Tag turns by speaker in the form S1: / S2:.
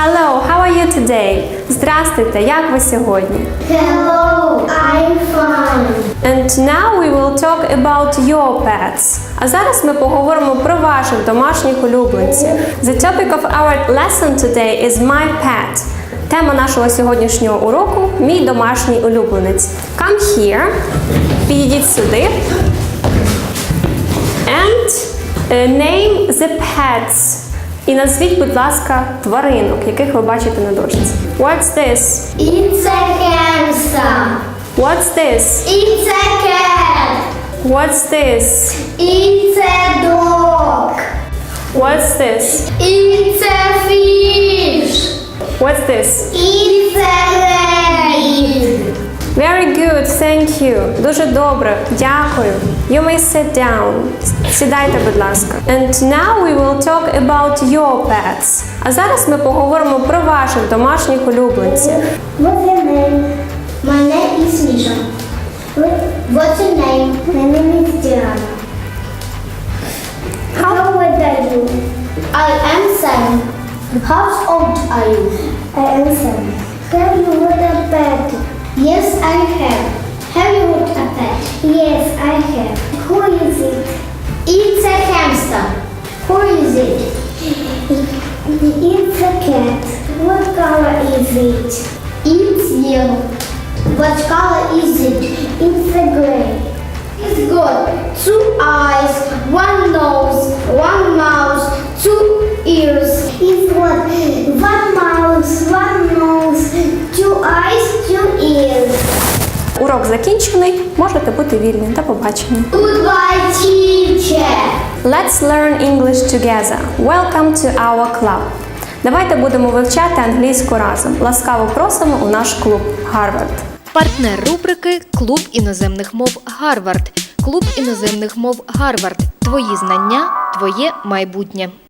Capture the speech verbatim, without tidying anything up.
S1: Hello, how are you today? Здравствуйте, як ви сьогодні?
S2: Hello, I'm fine.
S1: And now we will talk about your pets. А зараз ми поговоримо про ваших домашніх улюбленців. The topic of our lesson today is my pet. Тема нашого сьогоднішнього уроку – мій домашній улюбленець. Come here. Підійдіть сюди. And uh, name the pets. І назвіть, будь ласка, тваринок, яких ви бачите на дошці. What's this?
S2: It's a hamster.
S1: What's this?
S2: It's a cat.
S1: What's this?
S2: It's a dog.
S1: What's this?
S2: It's a fish.
S1: What's this?
S2: It's a rabbit.
S1: Very good, thank you. Дуже добре, дякую. You may sit down. Сідайте, будь ласка. And now we will talk about your pets. А зараз ми поговоримо про ваших домашніх улюбленців.
S2: What's your name? My name is Misha. What's your name? My name is Diana. How old are you? I am seven. How old are you? I am seven. Have you got a pet? Yes, I have. Have you got a pet? Yes, I have. Who is it? It's a hamster. Who is it? It's a cat. What color is it? It's yellow. What color is it? It's a gray. It's got two eyes, one nose, one mouth, two ears. It's what? One mouth, one nose, two eyes, two ears.
S1: Урок закінчений, можете бути вільні. До побачення.
S2: Goodbye, teacher.
S1: Let's learn English together. Welcome to our club. Давайте будемо вивчати англійську разом. Ласкаво просимо у наш клуб Гарвард.
S3: Партнер рубрики «Клуб іноземних мов Гарвард». Клуб іноземних мов Гарвард. Твої знання, твоє майбутнє.